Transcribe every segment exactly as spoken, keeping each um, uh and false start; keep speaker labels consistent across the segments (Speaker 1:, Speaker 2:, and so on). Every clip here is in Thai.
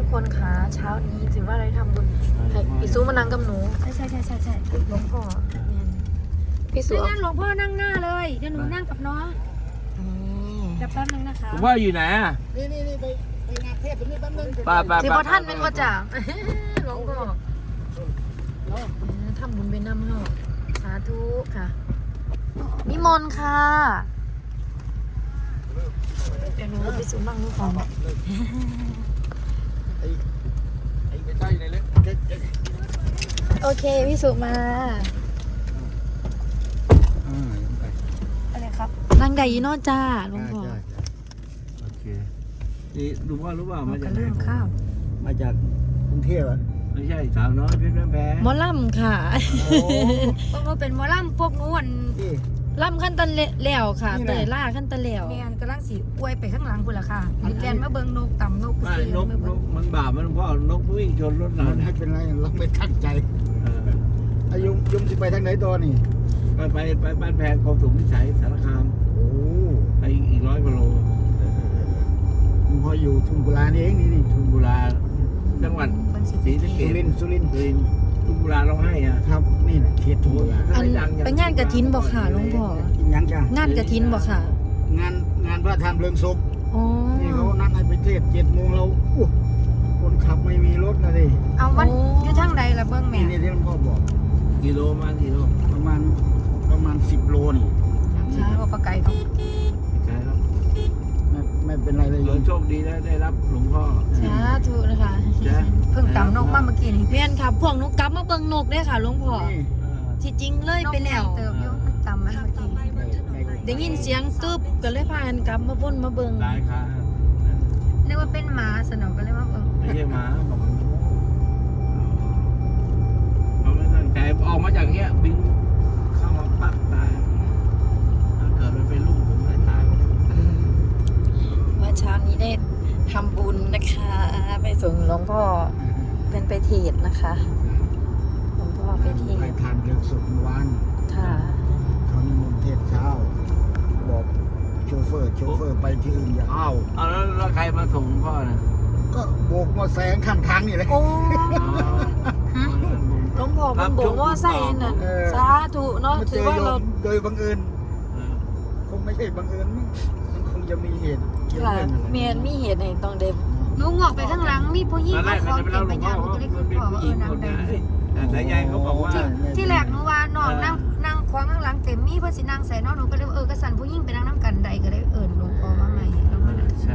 Speaker 1: คนคะเช้านี้ถือว่าอะไรทำบุญให้พี่ซูมานั่งกับหนู
Speaker 2: ใช่ใช่ใช่ใช่ใช่
Speaker 1: หลวงพ่อพี่ซู
Speaker 2: นั่นหลวงพ่อนั่งหน้าเลยเดี๋ยวหนูนั่งกับน้องเดี๋ยวแป๊บนึงนะคะ
Speaker 3: หลวงพ่ออยู่ไหนอ่ะ
Speaker 4: นี่นี่นี่ไปไปงานเทศตรงนี้แป๊บนึง
Speaker 3: ป้าป้า
Speaker 1: สิพอท่านเป็นว่าจ่าหลวงพ่อทำบุญเป็นน้ำเฮาสาธุค่ะนิมนต์ค่ะเดี๋ยวหนูไปซูนั่งนู่นก่อน
Speaker 4: ไอ้ไอ้ไปใต้ไหนเลยเจ๊เจ๊
Speaker 1: โอเคพี่สุมา
Speaker 4: อ่ายังไป
Speaker 1: อะไรครับนางใดยีนอจ้าหลวงพ่อ
Speaker 4: ใช่ใช่
Speaker 3: โอเคนี่หลวงพ่อรู้เปล่ามา
Speaker 1: กั
Speaker 3: จา
Speaker 1: บ
Speaker 3: กไหน
Speaker 1: เรื่องข้าว
Speaker 4: มาจากกรุงเทพอ่ะ
Speaker 3: ไม่ใช่สาวน้อยเพชรแพง
Speaker 1: หมอล่ำค่ะ
Speaker 4: โอ้
Speaker 2: พวกเราเป็นหมอลำพวกนู้น
Speaker 4: ที่
Speaker 1: ล่ำขั้นตันแล้วค่ะ
Speaker 4: นี่แห
Speaker 1: เต
Speaker 4: ละ
Speaker 1: ยล่าขั้นตันแล้ว
Speaker 2: เมียนกำลังสีอวยไปข้างหลังคุณล่ะค่ะมีแกนมาเบิงนกต่ำนก
Speaker 3: ไม่
Speaker 2: เสีย
Speaker 3: นก
Speaker 2: มาน เบิง
Speaker 3: กมันบาปมันหลวงพ่อนกวิ่งชนรถเรา
Speaker 4: ไม่
Speaker 3: เนี่ย
Speaker 4: เป็นไรเราไม่ตั้งใจ
Speaker 3: เออ
Speaker 4: อายุยมสิไปทางไหนตอนนี่
Speaker 3: ไปไปไปบ้านแพงกองสูงวิสัยสารคาม
Speaker 4: โอ้
Speaker 3: ไปอีกร้อยกิโล
Speaker 4: มึงพออยู่ทุ่งกุลานี่เองนี่นี่
Speaker 3: ชุนบุรีจังหวัด
Speaker 2: เป็นสี
Speaker 3: ศรีสะเก
Speaker 4: สุ
Speaker 3: ษ
Speaker 4: รินทร์สุรินทร์
Speaker 3: สุรินทร์ชุนบุรีร้องไห้อ่ะ
Speaker 4: ครับนี่แหละเขตทุ่งกุลา
Speaker 1: อันไปงานกระถินบอกค่ะหลวงพ่อ
Speaker 4: กินยังจ้าง
Speaker 1: านกระถินบอกค่ะ
Speaker 4: งานงานพระทานเพลิงศพ
Speaker 1: อ๋อ
Speaker 4: นี่เขานัดให้ไปเทศเจ็ดโมงเราอู้คนขับไม่มีรถนะดิ
Speaker 2: เอาวันอยู่ทางใดล่ะเบิ้งแม่
Speaker 4: นี่นี่ที่หลวงพ่อบอก
Speaker 3: กิโลมากิโล
Speaker 4: ประมาณประมาณสิบโลนี่
Speaker 2: ช้าว่าปลาไก่เขา
Speaker 3: ใช่ครับ
Speaker 4: ไม่ไม่เป็นไรเลย
Speaker 3: โย
Speaker 4: โย
Speaker 3: ม
Speaker 4: ม
Speaker 3: โชคดีได้ได้รับหลวงพ่อ
Speaker 1: สาธุนะคะ
Speaker 3: จ้ะ
Speaker 2: เพิ่งต่ำนกมาเมื่อกี้นี่
Speaker 1: เพียนค่ะพวกหนูกลับมาเบิ่งนกได้ค่ะหลวงพ่อ
Speaker 4: นี่
Speaker 1: ที่จริงเลยไปแล้ว
Speaker 2: เติบอยู่มันต่ำมันเมื่อกี้
Speaker 1: ได้ยินเสียงตึบก็เลยพากันกลับมาบนมาเบิ่ง
Speaker 3: หลายครั้ง
Speaker 2: นึกว่าเป็นหมาสนอก็เลยว่าเออ
Speaker 3: ไม่ใช่หมาบอกมันเขาไม่ตั้งใจออกมาจากเนี้ยบินเข้ามาปั๊บตายถ้าเกิดมันเป็นลูกผมเลยตายหมด
Speaker 1: เมื่อเช้านี้ได้ทำบุญนะคะ ไปส่งหลวงพ่อเป็นไปเทศน์นะคะหลวงพ่อไปเท
Speaker 4: ไป
Speaker 1: ศน์
Speaker 4: ทานเรื่องศพเมื่อวาน
Speaker 1: ค่ะ
Speaker 4: เขานิมนต์เทศเช้า บอกโชเฟอร์โชเฟอร์ไปที่อื่นอย่าอ้าว
Speaker 3: เอาแล้วแล้วใครมาส่งพ่อน่ะ
Speaker 4: ก็โบกมอแซงข้างทางนี่แหละ
Speaker 1: โอ้
Speaker 3: อ๋อ
Speaker 1: หลวงพ่อมันบอกว่าใส่น่ะ
Speaker 4: เออ
Speaker 1: สาธุเนาะ
Speaker 4: มาเจ
Speaker 1: ถือ
Speaker 4: อ
Speaker 1: ว่า
Speaker 4: โย
Speaker 1: เรา
Speaker 4: มโดยบังเอิญคงไม่ใช่บังเอิญมั้งมันคงจะมีเหตุเกี่ยว
Speaker 1: ค่ะ
Speaker 4: เรื่องอะไร
Speaker 1: เมียนมีเหตุให้ต้องเด็บ
Speaker 2: หนูงอกไปข้างหลังมีผู้หญิง
Speaker 3: ตอนแร
Speaker 2: มาก ข
Speaker 3: เขา
Speaker 2: อ
Speaker 3: จะไป
Speaker 2: เก็
Speaker 3: เล่า
Speaker 2: บ
Speaker 3: หล
Speaker 2: ไป
Speaker 3: วงพ่
Speaker 2: ยา
Speaker 3: อง
Speaker 2: ก็
Speaker 3: ว่า
Speaker 2: เลย
Speaker 3: มั
Speaker 2: ขึ้
Speaker 3: น
Speaker 2: น
Speaker 3: เป็น
Speaker 2: พ่อ
Speaker 3: ผู้
Speaker 2: เอ
Speaker 3: หญิ
Speaker 2: อง นางใด
Speaker 3: คนนะแต่สายใยเขาบอกว่า
Speaker 2: ที่แรกหนูว่าน้องนั่งนั่งขวางข้างหลังเต็มมีเพื่อนสินั่งใส่น้องหนูก็เลยเออกระสันผู้หญิงไปนั่งน้ำกันใดก็เลยเอิญหลวงพ่อมาใหม่หลวงพ่อเลย
Speaker 3: ใช่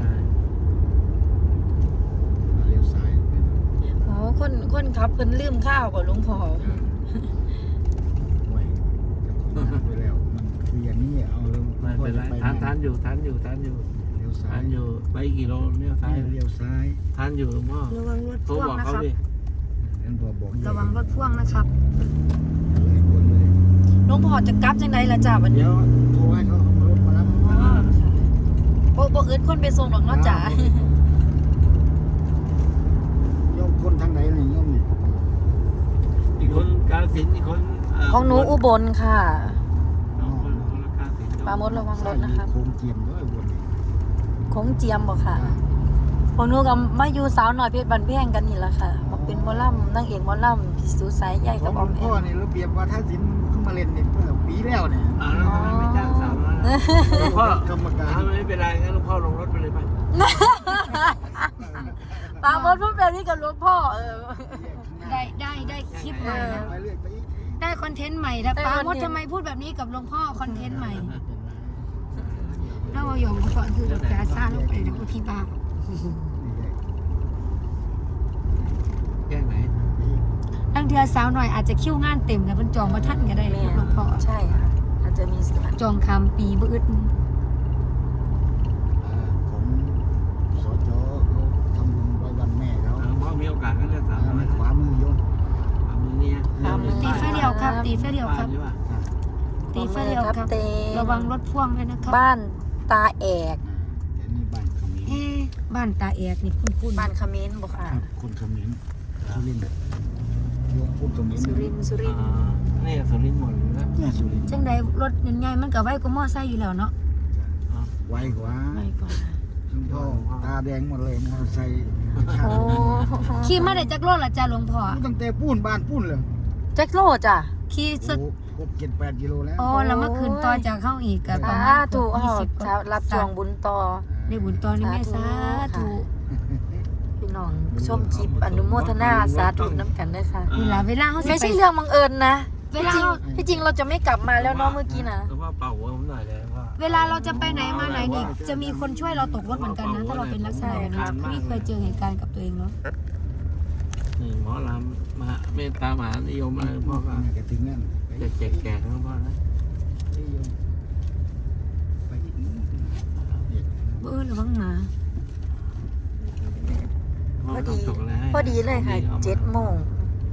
Speaker 4: เลี้ยวซ้าย
Speaker 1: อ๋อคนคนขับเพิ่นลืมข้าวกับหลวงพ่อ
Speaker 4: ไว้ไปแล้วมันคืออย่างนี้เอาแล้ว
Speaker 3: ไม่เป็นไรทานทานอยู่ทานอยู่ทานอยู่
Speaker 4: เลี้ยวซ้า
Speaker 3: ทาย นอยู่ไปกี่โลเนี่ยซ้าย
Speaker 4: นี่เลี้ยวซ้าย
Speaker 3: ทานอยู่หลวงพ่อ
Speaker 2: ระวังรถ
Speaker 3: โทร
Speaker 2: พ่วง
Speaker 3: บอก
Speaker 2: นะ
Speaker 3: เขา
Speaker 2: ครับ
Speaker 3: ดิ
Speaker 4: นั่นพอบอก
Speaker 2: ระวังรถพ่วงนะครับ
Speaker 4: เลยคนเลย
Speaker 1: หลวงพ่อจะกลับจังไดล่ะจ้าวันนี้
Speaker 4: เดี๋ยวโทรให้เขาเอารถมารับ
Speaker 1: อ๋อค่ะบ่บ่อึดคนไปส่งหรอกเนาะจ้า
Speaker 4: โยมคนทางไหนเนี่ยโยม
Speaker 3: อีกคนกาฬสินธุ์อีกคนเ
Speaker 1: ของหนูอุบลค่ะ
Speaker 3: สองคนคนละกาฬสินธุ์
Speaker 1: ปราโมดระวังรถนะครับ
Speaker 4: โคมเจียมด้วยวนนี้
Speaker 1: โค้งเจียมบ่ค่ะของหนูกับมาอยู่สาวหน่อยเพชรบันแพงกันนี่แหละค่ะมาเป็นหมอลำนางเอกหมอลำพี่สุสายใหญ่
Speaker 4: ข
Speaker 1: กั
Speaker 4: อบ ง
Speaker 1: อ
Speaker 4: หล
Speaker 1: อ
Speaker 4: ว
Speaker 1: ม
Speaker 4: ง
Speaker 1: แอ
Speaker 4: พ่อ
Speaker 1: ม
Speaker 4: นี่ระเบียบว่าถ้าศิลป์เข้ามาเล่นเนี่ยเมื่อปีแล้วเนี่ย
Speaker 3: อ่าแล้วทำไมไม่จ้างสาวน้อยล่ะหลวงพ่อก
Speaker 4: รรมการ
Speaker 3: ถ้าไม่เป็นไรงั้นหลวงพ่อลงรถไปเลยไป
Speaker 1: ปราโมดพูดแบบนี้กับหลวงพ่อเออ
Speaker 2: ได้ได้ได้คลิปใหม่แล้ว
Speaker 4: ไปเรื่อยไปอีก
Speaker 2: ได้คอนเทนต์ใหม่แล้ว
Speaker 1: ได้
Speaker 2: ป้า
Speaker 1: คอน
Speaker 2: มด
Speaker 1: เทนต์
Speaker 2: ทำไมพูดแบบนี้กับหลวงพ่อคอนเทนต์ใหม่แล้วเอาหยองก่อนคือแบบจะซ่าลงไปนะคุณพี่บ้า
Speaker 3: แก้ไหน
Speaker 2: ตั้งเทือสาวหน่อยอาจจะคิ้วงานเต็มกับมันจองมาท่านก็ได้เลยหลวงพ่อ
Speaker 1: ใช่ค่ะอาจจะมีส่วน
Speaker 2: จองคำปีบื้อ
Speaker 4: ของสจเขาทำบุญไว้วันแม่เขา
Speaker 3: หลวงพ่อมีโอกาสก็เลือกสาวน้อย
Speaker 4: ขวามือโยม
Speaker 3: ขวามือเนี่ย
Speaker 2: ตีไฟเดียวครับ ตีไฟเดียวครับ
Speaker 3: ใช่ป่ะ
Speaker 2: ตีไฟเดียวครับ
Speaker 1: เต
Speaker 2: ระวังรถพ่วงด้วยนะครับ
Speaker 1: บ้านตาแอก
Speaker 4: แต่นี่บ้านเขมร
Speaker 2: เอ๊ะบ้านตาแอกนี่คุ้นๆ
Speaker 1: บ้านเขมิ้นบ่ค่ะ
Speaker 4: ครับคนเขมรสุรินทร์โยมพูดเขมร
Speaker 1: สุรินทร์สุรินทร์
Speaker 3: อ่านี่สุรินทร์หมดเลยนะ
Speaker 4: เนี่ยสุรินทร์
Speaker 2: จังใดรถใหญ่ๆมันก็ไว้ก็มอไซค์อยู่แล้วเนาะ
Speaker 4: ไวกว่า
Speaker 1: ไม่กว่า
Speaker 4: คุณพ่อตาแดงหมดเลยมอเตอร์ไซค์
Speaker 1: โอ้โห
Speaker 2: ขี่มาได้จักโลละจ้าหลวงพ่อ
Speaker 4: ตั้งแต่ปูนบ้านปูนเลย
Speaker 1: แจ็คโลจ้ะ
Speaker 2: ขี่ส
Speaker 4: โอ้ครบเจ็ดแปดกิโลแล้ว
Speaker 2: อ๋อแล้วมาคืนต่อจากเข้าอีกก็ประ
Speaker 1: สา
Speaker 2: มาณ
Speaker 1: ธุ
Speaker 2: ยี่
Speaker 1: เอา
Speaker 2: สิบ
Speaker 1: ถ้ารับจวงบุญต่อ
Speaker 2: ได้บุญตอนนี้แม่สาธุ
Speaker 1: พี่น้องชมคลิปอนุโมทนาสาธุน้ำกันด้วยค่ะ
Speaker 2: เวลาเวลาเขาสิ
Speaker 1: ไม่
Speaker 2: ไป
Speaker 1: ใช่เรื่องบังเอิญนะ
Speaker 2: เว
Speaker 1: ที่
Speaker 2: ลา
Speaker 1: จริงที่จริงเราจะไม่กลับมาแล้วเนาะเมื่อกี้นะ
Speaker 3: แต่ว่าเป่าหัวผมหน่อยเลยว่า
Speaker 2: เวลาเราจะไปไหนมาไหนนี่จะมีคนช่วยเราตกรถเหมือนกันนะ ถ้าเราเป็นลักษณะแบบนี้พี่เคยเจอเหตุการณ์กับตัวเองเนาะ
Speaker 3: นี่หมอลำมหาเมตตามหานิยมอะไรพ่อก็
Speaker 4: แกถึงนั่นไป
Speaker 3: จะแจกแจกทั้งพ่อนะ
Speaker 4: ไปอีกนิดนึง
Speaker 2: เออระวังหมา
Speaker 1: พอดีพอดีเลยค่ะเจ็ดโมง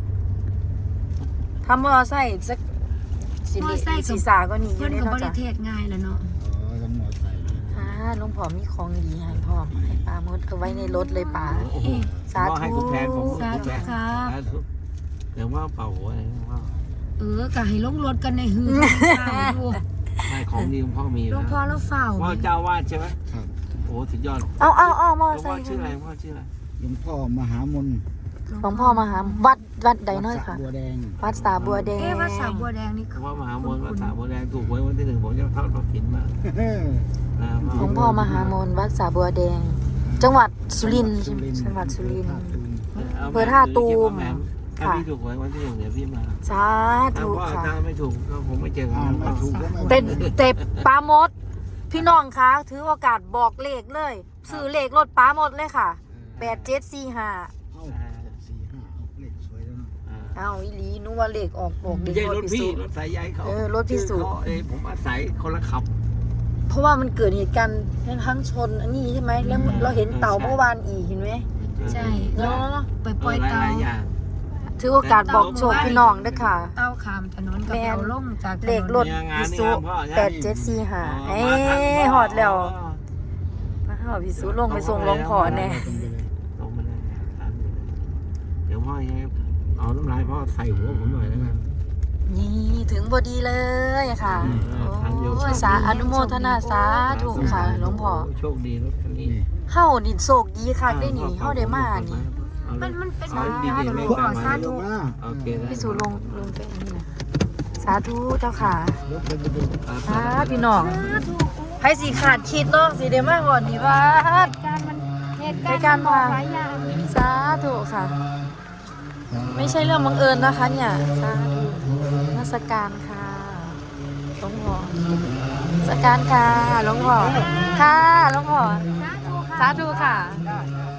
Speaker 1: ทำมอไซค์สักสิริศีสาก็หนีอ
Speaker 2: เพื่อยู่ น
Speaker 1: ใน
Speaker 2: กับบ
Speaker 1: นอก
Speaker 2: ริ
Speaker 1: จาก
Speaker 2: เทศง่ายแล้วเนาะ
Speaker 4: อ๋อต้องมอไซค์
Speaker 1: อ่าลุงผอมมีของดีให้พ่อมให้ปลามดเอาไว้ในรถเลยป๋า
Speaker 3: โอ้โห
Speaker 1: สาธุ
Speaker 3: ให้คุณแทนผม
Speaker 2: สาธุครับ
Speaker 3: สาธุเดี๋ยวว่าเป่าหัวอะไรว่า
Speaker 2: เออก็ให้ลงรถกันในหือข้าวดู
Speaker 3: ให้ของดีของพ่อมี
Speaker 2: หลวงพ่อแล้วเฝ้า
Speaker 3: พ่อเจ้าวาดใช่ไหม
Speaker 4: ครับ
Speaker 3: โอ้สุดยอด
Speaker 1: เอาเอาเอามอ
Speaker 3: หลวง
Speaker 1: ไซ
Speaker 3: พ่อ
Speaker 1: ค์
Speaker 3: ชื่ออะไรหลวงพ่อชื่ออะไร
Speaker 4: หลวงพ่อมหามน
Speaker 1: หลวงพ่อมาหาวัดวัดใดน้อยค่ะ
Speaker 4: บัวแดง
Speaker 1: วัดสาบัวแดง
Speaker 2: เอ๊ะวัดสาบัวแดงนี่
Speaker 3: หล
Speaker 2: คื
Speaker 3: ว
Speaker 2: อง
Speaker 3: พ่อมหามนวัดสาบัวแดงถูกหวยวันที่หนึ่งผมจะทอดกฐินมานะ
Speaker 1: หลวงพ่อมหามนวัดสาบัวแดง จังหวัดสุรินทร์จังหวัดสุรินทร์ อำเภอท่าตูม
Speaker 3: ถ้าพี่ถูกหวยวันที่หนึ่งเดี๋ยวพี่มา
Speaker 1: สา
Speaker 3: ถ้า
Speaker 1: ธุ
Speaker 3: พ่อ
Speaker 1: ค่ะ
Speaker 3: ถ้าไม่ถูกก็คงไม่เจอกั
Speaker 4: อ่าน
Speaker 3: น
Speaker 4: ไม่ถูกก็ไม่
Speaker 1: เต็เต็ปลามด พี่น้องคะถือโอกาสบอกเลขเลยซื้อเลขรถปลามดเลยค่ะแปดเจ็ดสี่ห้า
Speaker 4: เอาสี่ห้าเอาเลขสวยแล้วเนาะ
Speaker 1: เอาอีหลีนึกว่าเลขออกบอก
Speaker 3: ไม่
Speaker 1: เด็ก
Speaker 3: ใช่รถพี่
Speaker 1: พิสูจน์
Speaker 3: รถสายใยเขา
Speaker 1: เออรถพิสูจน์
Speaker 3: เขาเอ้ยผมอาศัยคนละขับ
Speaker 1: เพราะว่ามันเกิดเหตุการณ์ทั้งชนอันนี้ใช่ไหมแล้วเราเห็นเต่าเมื่อวานอีกเห็นไหม
Speaker 2: ใช่
Speaker 1: เนาะ
Speaker 2: ไปปล่อย
Speaker 3: ห
Speaker 2: เตา
Speaker 3: ลายๆอย่าง
Speaker 1: ถือโอกาสบอกโชคพี่น้องด้วยค่ะ
Speaker 2: เต้าขามถนนกับเอาล่มจากถนน
Speaker 1: เลขรถ
Speaker 3: เนี่ยงาน
Speaker 1: พิ
Speaker 3: นี่
Speaker 1: สู
Speaker 3: งานพ่อใช่ไหม
Speaker 1: แปดเจ็ดสี่ห้า
Speaker 3: อ๋อ
Speaker 1: เอ้
Speaker 3: มาทันพ่
Speaker 1: หอดแล้วมาหอดพิสูลงไปส่งหลวงพ่อแน่
Speaker 4: ตรงไปเลย
Speaker 3: ลงมาเลยทันเลยเดี๋ยวพ่อยังไงเอาน้ำลายพ่อใส่หัวผมหน่อยแล้วกัน
Speaker 1: นี่ถึงพอดีเลยค่ะ
Speaker 3: อืมทันอยู่
Speaker 1: โอ้ยสาอนุโมทนาสาธุค่ะหลวงพ่อ
Speaker 3: โชคดีรถคันนี้
Speaker 4: นี่
Speaker 1: เฮาดิโศกดีค่ะได้หนีเฮาได้มานี่
Speaker 2: มันมันเป็น
Speaker 3: สายดีๆ
Speaker 2: ห
Speaker 3: ไม่
Speaker 2: ลวง
Speaker 3: ตา
Speaker 2: พ่อ
Speaker 3: ม
Speaker 2: สา
Speaker 3: มา
Speaker 2: ธุ
Speaker 4: มา
Speaker 3: โอเคนะ
Speaker 1: พี่สูลงลงไปอันนี้นะสาธุเจ้าค่ะ
Speaker 4: รถเป็นไปดู
Speaker 1: สาพี่น้องให้สีขาดคิดเนาะสีเดมาก่อนดีว่า
Speaker 2: การมันเหตุ
Speaker 1: ใน
Speaker 2: การณ์
Speaker 1: การ
Speaker 2: มันบอก
Speaker 1: มา
Speaker 2: หลายอย่าง
Speaker 1: สาธุค่ะ ไม่ใช่เรื่องบังเอิญนะคะเนี่ยสาธุนมัสการค่ะหลวงพ่อนมัสการค่ะหลวงพ่อค่ะหลวงพ่อ
Speaker 2: สาธุค่ะ
Speaker 1: สาธุค่ะ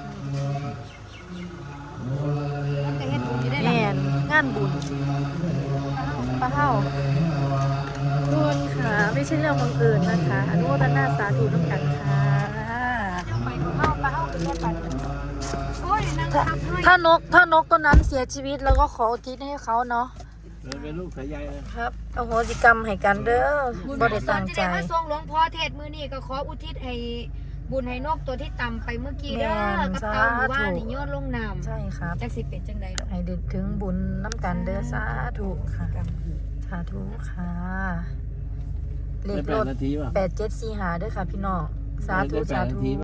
Speaker 2: มันก็เฮ็ดบุญอยู่ได้
Speaker 1: แม
Speaker 2: ล่ะ
Speaker 1: นงานบุญป้าเท่าบุญค่ะ ไม่ใช่เรื่องบังเอิญนะคะอนุโมทนาสาธุน้ำกันค่ะ
Speaker 2: ไปเข้าไปเข้าไปไปโอ้ยนั่ง
Speaker 1: ถ้า
Speaker 2: ทับด้วย
Speaker 1: ถ้านกถ้านกตัวนั้นเสียชีวิตแล้วก็ขออุทิศให้เขาเนาะ
Speaker 3: เราเป็นลูกสายใยเลย
Speaker 1: ครับอโหสิกรรมให้กันเด้อบ่ได้ตั้งใจ
Speaker 2: จะได้มาส่งหลวงพ่อเทศมือนี่ก็ขออุทิศให้บุญให้นกตัวที่ต่ำไปเมื่อกี้เด้อ
Speaker 1: แม่น
Speaker 2: กับเต่าหมู่บ้าน
Speaker 1: สาธุ
Speaker 2: นี่โยนลงน้ำ
Speaker 1: ใช่ครับ
Speaker 2: จักสิเป็นจังใดดอก
Speaker 1: ให้ดึกถึงบุญน้ำกันเด้อสาธุค่ะสาธุค่ะเล
Speaker 3: ได้
Speaker 1: ข
Speaker 3: แป
Speaker 1: ร
Speaker 3: ด
Speaker 1: ถ
Speaker 3: นาทีป่ะ
Speaker 1: แปดเจ็ดสี่หาเด้อค่ะพี่น้องสาธุ
Speaker 3: ได้แป
Speaker 1: สา
Speaker 3: ดนา
Speaker 1: ธุ
Speaker 3: ที